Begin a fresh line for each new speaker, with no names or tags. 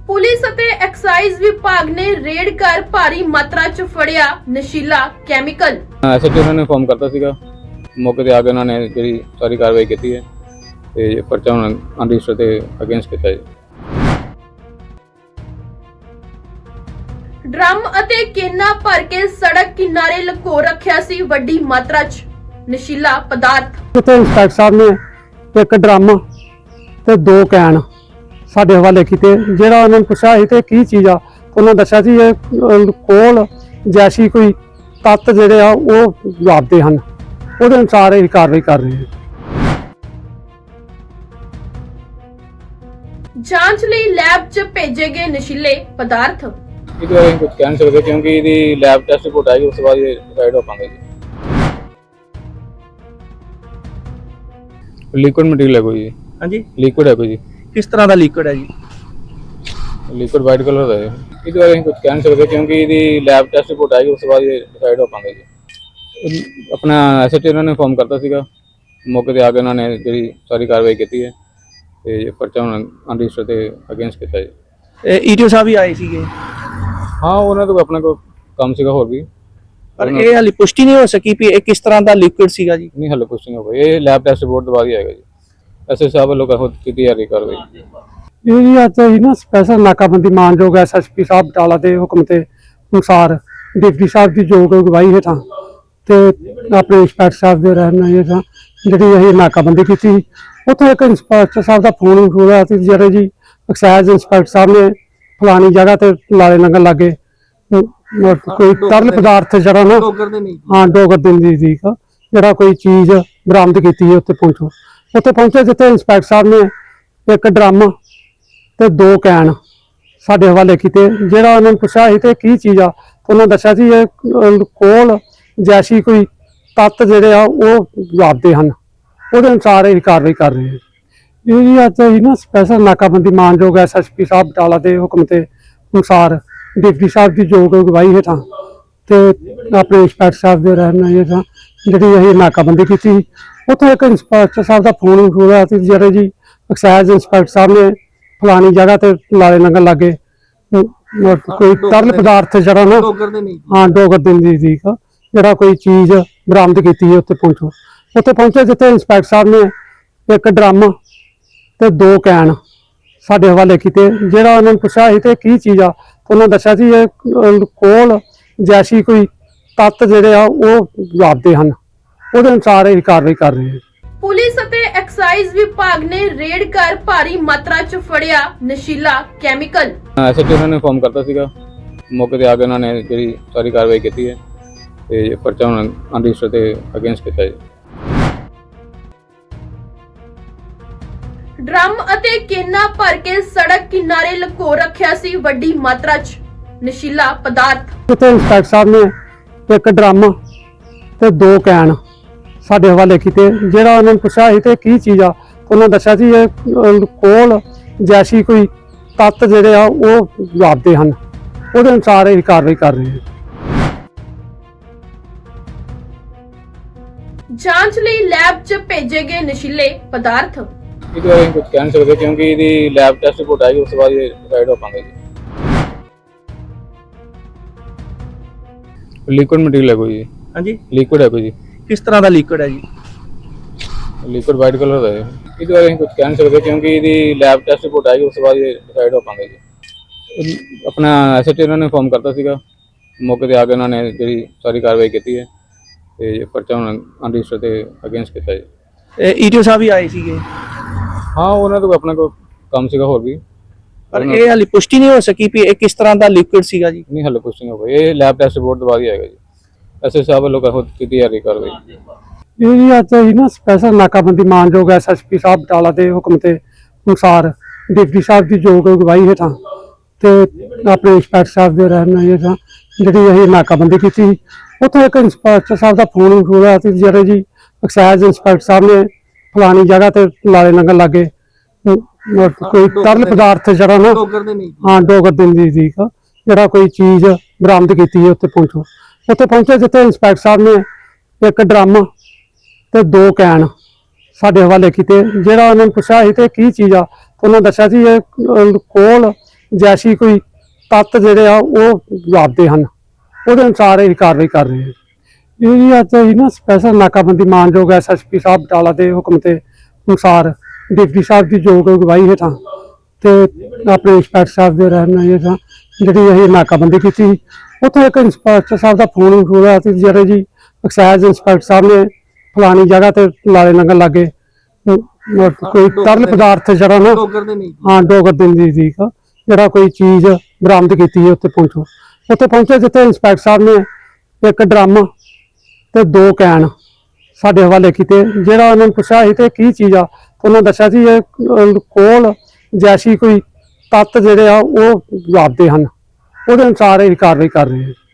Police ਅਤੇ exercise ਵਿਭਾਗ ਨੇ ਰੇਡ ਕਰ ਭਾਰੀ ਮਾਤਰਾ 'ਚ ਫੜਿਆ ਨਸ਼ੀਲਾ ਕੈਮੀਕਲ।
ਐਸਐਚਓ ਉਹਨਾਂ ਨੇ ਇਨਫੋਰਮ ਕਰਤਾ ਸੀਗਾ, ਮੌਕੇ ਤੇ ਆ ਕੇ ਉਹਨਾਂ ਨੇ ਜਿਹੜੀ ਸਾਰੀ ਕਾਰਵਾਈ ਕੀਤੀ ਹੈ ਤੇ ਪਰਚਾ ਹੁਣ ਅਨਰਜਿਸਟਰ ਤੇ ਅਗੇਂਸਟ ਕੀਤਾ ਹੈ।
ਡਰਮ ਅਤੇ ਕੇਨਾ ਭਰ ਕੇ ਸੜਕ ਕਿਨਾਰੇ ਲੁਕੋ ਰੱਖਿਆ ਸੀ ਵੱਡੀ ਮਾਤਰਾ 'ਚ ਨਸ਼ੀਲਾ ਪਦਾਰਥ।
ਤੇ ਇੰਸਪੈਕਟਰ ਸਾਹਿਬ ਨੇ ਇੱਕ ਡਰਮ ਤੇ 2 ਕੈਨ ਸਾਡੇ ਹਵਾਲੇ ਕੀਤੇ। ਜਿਹੜਾ ਉਹਨਾਂ ਨੂੰ ਪੁੱਛਿਆ ਸੀ ਤੇ ਕੀ ਚੀਜ਼ ਆ, ਉਹਨਾਂ ਦੱਸਿਆ ਸੀ ਇਹ ਕੋਲ ਜੈਸੀ ਕੋਈ ਤੱਤ ਜਿਹੜੇ ਆ ਉਹ ਵਾਪਦੇ ਹਨ, ਉਹਦੇ ਅਨੁਸਾਰ ਇਹ ਕਾਰਵਾਈ ਕਰ ਰਹੇ ਹਾਂ।
ਜਾਂਚ ਲਈ ਲੈਬ 'ਚ ਭੇਜੇ ਗਏ ਨਸ਼ੀਲੇ ਪਦਾਰਥ।
ਇਹਦੇ ਬਾਰੇ ਕੁਝ ਕਹਿ ਨਹੀਂ ਸਕਦੇ ਕਿਉਂਕਿ ਇਹਦੀ ਲੈਬ ਟੈਸਟ ਰਿਪੋਰਟ ਆਏਗੀ, ਉਸ ਤੋਂ ਬਾਅਦ ਇਹ ਡਿਸਾਈਡ ਹੋ ਪਾਵਾਂਗੇ ਜੀ। ਲਿਕੁਇਡ ਮਟੀਰੀਅਲ ਹੈ ਕੋਈ ਜੀ?
ਹਾਂਜੀ,
ਲਿਕੁਇਡ ਹੈ ਕੋਈ ਜੀ?
ਕਿਸ ਤਰ੍ਹਾਂ ਦਾ ਲਿਕੁਇਡ ਹੈ ਜੀ?
ਲਿਕੁਇਡ ਵਾਈਟ ਕਲਰ ਦਾ ਹੈ। ਇਹਦੇ ਬਾਰੇ ਕੁਝ ਕਹਿ ਨਹੀਂ ਸਕਦੇ ਕਿਉਂਕਿ ਇਹਦੀ ਲੈਬ ਟੈਸਟ ਰਿਪੋਰਟ ਆਏਗੀ, ਉਸ ਤੋਂ ਬਾਅਦ ਇਹ ਡਿਸਾਈਡ ਹੋ ਪਾਵਾਂਗੇ ਜੀ। ਆਪਣਾ ਐਸਐਚਓ ਉਹਨਾਂ ਨੇ ਇਨਫੋਰਮ ਕਰਤਾ ਸੀਗਾ, ਮੌਕੇ ਤੇ ਆ ਕੇ ਉਹਨਾਂ ਨੇ ਜਿਹੜੀ ਸਾਰੀ ਕਾਰਵਾਈ ਕੀਤੀ ਹੈ ਤੇ ਪਰਚਾ ਹੁਣ ਅਨਰਜਿਸਟਰ ਤੇ ਅਗੇਂਸਟ ਕੀਤਾ ਹੈ।
ਈਟੀਓ ਸਾਹਿਬ ਵੀ ਆਏ ਸੀਗੇ,
ਹਾਂ ਉਹਨਾਂ ਤੋਂ ਆਪਣਾ ਕੋਈ ਕੰਮ ਸੀਗਾ ਹੋਰ ਵੀ,
ਪਰ ਇਹ ਹਾਲੇ ਪੁਸ਼ਟੀ ਨਹੀਂ ਹੋ ਸਕੀ ਵੀ ਇਹ ਕਿਸ ਤਰ੍ਹਾਂ ਦਾ ਲਿਕੁਇਡ ਸੀਗਾ ਜੀ।
ਨਹੀਂ ਹਾਲੇ ਕੁਝ ਨਹੀਂ ਹੋ ਗਿਆ, ਇਹ ਲੈਬ ਟੈਸਟ ਰਿਪੋਰਟ ਤੋਂ ਬਾਅਦ ਹੀ ਆਏਗਾ ਜੀ। ਐਸਐਚਓ ਸਾਹਿਬ ਵੱਲੋਂ ਖੁਦ ਕੀਤੀ ਜਾ ਰਹੀ ਕਾਰਵਾਈ।
ਇਹ ਜੀ ਅੱਜ ਅਸੀਂ ਨਾ ਸਪੈਸ਼ਲ ਨਾਕਾਬੰਦੀ ਮਾਨਯੋਗ ਐਸਐਸਪੀ ਸਾਹਿਬ ਬਟਾਲਾ ਦੇ ਹੁਕਮ ਤੇ ਅਨੁਸਾਰ ਡਿਪਟੀ ਸਾਹਿਬ ਦੀ ਯੋਗ ਅਗਵਾਈ ਹੇਠਾਂ ਤੇ ਆਪਣੇ ਇੰਸਪੈਕਟਰ ਸਾਹਿਬ ਦੇ ਰਹਿਨੁਮਾਈ ਹੇਠਾਂ ਜਿਹੜੀ ਅਸੀਂ ਨਾਕਾਬੰਦੀ ਕੀਤੀ। ਉੱਥੇ ਇੱਕ ਇੰਸਪੈਕਟਰ ਸਾਹਿਬ ਦਾ ਫੋਨ ਹੋਇਆ ਸੀ, ਜਿਹੜੇ ਜੀ ਐਕਸਾਈਜ਼ ਇੰਸਪੈਕਟਰ ਸਾਹਿਬ ਨੇ ਫਲਾਣੀ ਜਗ੍ਹਾ ਤੇ ਲਾਲੇ ਨੰਗਲ ਲਾਗੇ ਕੋਈ ਤਰਲ ਪਦਾਰਥ ਜਿਹੜਾ ਨਾ ਡੋਗਰ ਦੇ ਨਜ਼ਦੀਕ ਜਿਹੜਾ ਕੋਈ ਚੀਜ਼ ਬਰਾਮਦ ਕੀਤੀ ਹੈ। ਉੱਥੇ ਪਹੁੰਚੇ ਜਿੱਥੇ ਇੰਸਪੈਕਟਰ ਸਾਹਿਬ ਨੇ ਇੱਕ ਡਰਮ ਤੇ 2 ਕੈਨ ਸਾਡੇ ਹਵਾਲੇ ਕੀਤੇ। ਜਿਹੜਾ ਉਹਨਾਂ ਨੂੰ ਪੁੱਛਿਆ ਸੀ ਤੇ ਕੀ ਚੀਜ਼ ਆ, ਉਹਨਾਂ ਦੱਸਿਆ ਸੀ ਇਹ ਕੋਲ ਜੈਸੀ ਕੋਈ ਤੱਤ ਜਿਹੜੇ ਆ ਉਹ ਵਾਪਦੇ ਹਨ, ਉਹਦੇ ਅਨੁਸਾਰ ਇਹ ਕਾਰਵਾਈ ਕਰ ਰਹੇ ਹਾਂ। ਇਹ ਜੀ ਅੱਜ ਅਸੀਂ ਨਾ ਸਪੈਸ਼ਲ ਨਾਕਾਬੰਦੀ ਮਾਨਯੋਗ ਐਸਐਸਪੀ ਸਾਹਿਬ ਬਟਾਲਾ ਦੇ ਹੁਕਮ ਤੇ ਅਨੁਸਾਰ ਡਿਪਟੀ ਸਾਹਿਬ ਦੀ ਯੋਗ ਅਗਵਾਈ ਹੇਠਾਂ ਤੇ ਆਪਣੇ ਇੰਸਪੈਕਟਰ ਸਾਹਿਬ ਦੇ ਰਹਿਨੁਮਾਈ ਹੇਠਾਂ ਜਿਹੜੀ ਅਸੀਂ ਨਾਕਾਬੰਦੀ ਕੀਤੀ। ਉੱਥੇ ਇੱਕ ਇੰਸਪੈਕਟਰ ਸਾਹਿਬ ਦਾ ਫੋਨ ਹੋਇਆ ਸੀ, ਜਿਹੜੇ ਜੀ ਐਕਸਾਈਜ਼ ਇੰਸਪੈਕਟਰ ਸਾਹਿਬ ਨੇ ਫਲਾਣੀ ਜਗ੍ਹਾ ਤੇ ਲਾਲੇ ਨੰਗਲ ਲਾਗੇ ਕੋਈ ਤਰਲ ਪਦਾਰਥ ਜਿਹੜਾ ਨਾ ਡੋਗਰ ਦੇ ਨਜ਼ਦੀਕ ਜਿਹੜਾ ਕੋਈ ਚੀਜ਼ ਬਰਾਮਦ ਕੀਤੀ ਹੈ। ਉੱਥੇ ਪਹੁੰਚੇ ਜਿੱਥੇ ਇੰਸਪੈਕਟਰ ਸਾਹਿਬ ਨੇ ਇੱਕ ਡਰਮ ਤੇ 2 ਕੈਨ ਸਾਡੇ ਹਵਾਲੇ ਕੀਤੇ। ਜਿਹੜਾ ਉਹਨਾਂ ਨੂੰ ਪੁੱਛਿਆ ਸੀ ਤੇ ਕੀ ਚੀਜ਼ ਆ, ਉਹਨਾਂ ਦੱਸਿਆ ਸੀ ਇਹ ਕੋਲ ਜੈਸੀ ਕੋਈ ਤੱਤ ਜਿਹੜੇ ਆ ਉਹ ਵਾਪਦੇ ਹਨ, ਉਹਦੇ ਅਨੁਸਾਰ ਇਹ ਕਾਰਵਾਈ ਕਰ ਰਹੇ ਹਾਂ।
ਪੁਲਿਸ ਅਤੇ ਐਕਸਾਈਜ਼ ਵਿਭਾਗ ਨੇ ਰੇਡ ਕਰ ਭਾਰੀ ਮਾਤਰਾ 'ਚ ਫੜਿਆ ਨਸ਼ੀਲਾ ਕੈਮੀਕਲ।
ਐਸਐਚਓ ਉਹਨਾਂ ਨੇ ਇਨਫੋਰਮ ਕਰਤਾ ਸੀਗਾ, ਮੌਕੇ ਤੇ ਆ ਕੇ ਉਹਨਾਂ ਨੇ ਜਿਹੜੀ ਸਾਰੀ ਕਾਰਵਾਈ ਕੀਤੀ ਹੈ ਤੇ ਪਰਚਾ ਹੁਣ ਅਨਰਜਿਸਟਰ ਤੇ ਅਗੇਂਸਟ ਕੀਤਾ ਹੈ।
ਡਰਮ ਅਤੇ ਕੇਨਾ ਭਰ ਕੇ ਸੜਕ ਕਿਨਾਰੇ ਲੁਕੋ ਰੱਖਿਆ ਸੀ ਵੱਡੀ ਮਾਤਰਾ 'ਚ ਨਸ਼ੀਲਾ ਪਦਾਰਥ।
ਉੱਥੇ ਇੰਸਪੈਕਟਰ ਸਾਹਿਬ ਨੇ ਇੱਕ ਡਰਮ ਤੇ 2 ਕੈਨ ਸਾਡੇ ਹਵਾਲੇ ਕੀਤੇ। ਜਿਹੜਾ ਉਹਨਾਂ ਨੂੰ ਪੁੱਛਿਆ ਸੀ ਤੇ ਕੀ ਚੀਜ਼ ਆ, ਉਹਨਾਂ ਦੱਸਿਆ ਸੀ ਇਹ ਕੋਲ ਜੈਸੀ ਕੋਈ ਤੱਤ ਜਿਹੜੇ ਆ ਉਹ ਵਾਪਦੇ ਹਨ, ਉਹਦੇ ਅਨੁਸਾਰ ਇਹ ਕਾਰਵਾਈ ਕਰ ਰਹੇ ਹਾਂ।
ਜਾਂਚ ਲਈ ਲੈਬ 'ਚ ਭੇਜੇ ਗਏ ਨਸ਼ੀਲੇ ਪਦਾਰਥ।
ਇਹਦੇ ਬਾਰੇ ਕੁਝ ਕਹਿ ਨਹੀਂ ਸਕਦੇ ਕਿਉਂਕਿ ਇਹਦੀ ਲੈਬ ਟੈਸਟ ਰਿਪੋਰਟ ਆਏਗੀ, ਉਸ ਤੋਂ ਬਾਅਦ ਇਹ ਡਿਸਾਈਡ ਹੋ ਪਾਵਾਂਗੇ ਜੀ। ਲਿਕੁਇਡ ਮਟੀਰੀਅਲ ਹੈ ਕੋਈ ਜੀ?
ਹਾਂਜੀ,
ਲਿਕੁਇਡ ਹੈ ਕੋਈ ਜੀ?
ਕਿਸ ਤਰ੍ਹਾਂ ਦਾ ਲਿਕੁਇਡ ਹੈ ਜੀ?
ਲਿਕੁਇਡ ਵਾਈਟ ਕਲਰ ਦਾ ਹੈ। ਇਹਦੇ ਬਾਰੇ ਕੁਝ ਕਹਿ ਨਹੀਂ ਸਕਦੇ ਕਿਉਂਕਿ ਇਹਦੀ ਲੈਬ ਟੈਸਟ ਰਿਪੋਰਟ ਆਏਗੀ, ਉਸ ਤੋਂ ਬਾਅਦ ਇਹ ਡਿਸਾਈਡ ਹੋ ਪਾਵਾਂਗੇ ਜੀ। ਆਪਣਾ ਐਸਐਚਓ ਉਹਨਾਂ ਨੇ ਇਨਫੋਰਮ ਕਰਤਾ ਸੀਗਾ, ਮੌਕੇ ਤੇ ਆ ਕੇ ਉਹਨਾਂ ਨੇ ਜਿਹੜੀ ਸਾਰੀ ਕਾਰਵਾਈ ਕੀਤੀ ਹੈ ਤੇ ਪਰਚਾ ਹੁਣ ਅਨਰਜਿਸਟਰ ਤੇ ਅਗੇਂਸਟ ਕੀਤਾ ਹੈ।
ਈਟੀਓ ਸਾਹਿਬ ਵੀ ਆਏ ਸੀਗੇ,
ਹਾਂ ਉਹਨਾਂ ਤੋਂ ਆਪਣਾ ਕੋਈ ਕੰਮ ਸੀਗਾ ਹੋਰ ਵੀ,
ਪਰ ਇਹ ਹਾਲੇ ਪੁਸ਼ਟੀ ਨਹੀਂ ਹੋ ਸਕੀ ਵੀ ਇਹ ਕਿਸ ਤਰ੍ਹਾਂ ਦਾ ਲਿਕੁਇਡ ਸੀਗਾ ਜੀ।
ਨਹੀਂ ਹਾਲੇ ਕੁਝ ਨਹੀਂ ਹੋ ਗਿਆ, ਇਹ ਲੈਬ ਟੈਸਟ ਰਿਪੋਰਟ ਤੋਂ ਬਾਅਦ ਹੀ ਆਏਗਾ ਜੀ। ਐਸਐਚਓ ਸਾਹਿਬ ਵੱਲੋਂ ਖੁਦ ਕੀਤੀ ਜਾ ਰਹੀ ਕਾਰਵਾਈ।
ਇਹ ਜੀ ਅੱਜ ਅਸੀਂ ਨਾ ਸਪੈਸ਼ਲ ਨਾਕਾਬੰਦੀ ਮਾਨਯੋਗ ਐਸਐਸਪੀ ਸਾਹਿਬ ਬਟਾਲਾ ਦੇ ਹੁਕਮ ਤੇ ਅਨੁਸਾਰ ਡਿਪਟੀ ਸਾਹਿਬ ਦੀ ਯੋਗ ਅਗਵਾਈ ਹੇਠਾਂ ਤੇ ਆਪਣੇ ਇੰਸਪੈਕਟਰ ਸਾਹਿਬ ਦੇ ਰਹਿਨੁਮਾਈ ਹੇਠਾਂ ਜਿਹੜੀ ਅਸੀਂ ਨਾਕਾਬੰਦੀ ਕੀਤੀ। ਉੱਥੇ ਇੱਕ ਇੰਸਪੈਕਟਰ ਸਾਹਿਬ ਦਾ ਫੋਨ ਹੋਇਆ ਸੀ, ਜਿਹੜੇ ਜੀ ਐਕਸਾਈਜ਼ ਇੰਸਪੈਕਟਰ ਸਾਹਿਬ ਨੇ ਫਲਾਣੀ ਜਗ੍ਹਾ ਤੇ ਲਾਲੇ ਨੰਗਲ ਲਾਗੇ ਕੋਈ ਤਰਲ ਪਦਾਰਥ ਜਿਹੜਾ ਨਾ ਡੋਗਰ ਦੇ ਨਜ਼ਦੀਕ ਜਿਹੜਾ ਕੋਈ ਚੀਜ਼ ਬਰਾਮਦ ਕੀਤੀ ਹੈ। ਉੱਥੇ ਪਹੁੰਚੇ ਜਿੱਥੇ ਇੰਸਪੈਕਟਰ ਸਾਹਿਬ ਨੇ ਇੱਕ ਡਰਮ ਤੇ 2 ਕੈਨ ਸਾਡੇ ਹਵਾਲੇ ਕੀਤੇ। ਜਿਹੜਾ ਉਹਨਾਂ ਨੂੰ ਪੁੱਛਿਆ ਸੀ ਤੇ ਕੀ ਚੀਜ਼ ਆ, ਉਹਨਾਂ ਦੱਸਿਆ ਸੀ ਇਹ ਕੋਲ ਜੈਸੀ ਕੋਈ ਤੱਤ ਜਿਹੜੇ ਆ ਉਹ ਜਾਪਦੇ ਹਨ, ਉਹਦੇ ਅਨੁਸਾਰ ਇਹ ਕਾਰਵਾਈ ਕਰ ਰਹੇ ਹਾਂ। ਇਹ ਜੀ ਅੱਜ ਅਸੀਂ ਨਾ ਸਪੈਸ਼ਲ ਨਾਕਾਬੰਦੀ ਮਾਨਯੋਗ ਐਸਐਸਪੀ ਸਾਹਿਬ ਬਟਾਲਾ ਦੇ ਹੁਕਮ ਤੇ ਅਨੁਸਾਰ ਡਿਪਟੀ ਸਾਹਿਬ ਦੀ ਯੋਗ ਅਗਵਾਈ ਹੇਠਾਂ ਤੇ ਆਪਣੇ ਇੰਸਪੈਕਟਰ ਸਾਹਿਬ ਦੇ ਰਹਿਨੁਮਾਈ ਹੇਠਾਂ ਜਿਹੜੀ ਅਸੀਂ ਨਾਕਾਬੰਦੀ ਕੀਤੀ। ਉੱਥੇ ਇੱਕ ਇੰਸਪੈਕਟਰ ਸਾਹਿਬ ਦਾ ਫੋਨ ਹੋਇਆ ਸੀ, ਜਿਹੜੇ ਜੀ ਐਕਸਾਈਜ਼ ਇੰਸਪੈਕਟਰ ਸਾਹਿਬ ਨੇ ਫਲਾਣੀ ਜਗ੍ਹਾ ਤੇ ਲਾਲੇ ਨੰਗਲ ਲਾਗੇ ਕੋਈ ਤਰਲ ਪਦਾਰਥ ਜਿਹੜਾ ਨਾ ਹਾਂ ਡੋਗਰ ਦੇ ਨਜ਼ਦੀਕ ਜਿਹੜਾ ਕੋਈ ਚੀਜ਼ ਬਰਾਮਦ ਕੀਤੀ ਹੈ। ਉੱਥੇ ਪਹੁੰਚੇ ਜਿੱਥੇ ਇੰਸਪੈਕਟਰ ਸਾਹਿਬ ਨੇ ਇੱਕ ਡਰਮ ਤੇ 2 ਕੈਨ ਸਾਡੇ ਹਵਾਲੇ ਕੀਤੇ। ਜਿਹੜਾ ਉਹਨਾਂ ਨੂੰ ਪੁੱਛਿਆ ਸੀ ਤੇ ਕੀ ਚੀਜ਼ ਆ, ਉਹਨਾਂ ਦੱਸਿਆ ਸੀ ਇਹ ਕੋਲ ਜੈਸੀ ਕੋਈ ਤੱਤ ਜਿਹੜੇ ਆ ਉਹ ਜਾਪਦੇ ਹਨ, ਉਹਦੇ ਅਨੁਸਾਰ ਇਹ ਕਾਰਵਾਈ ਕਰ ਰਹੇ ਹਾਂ।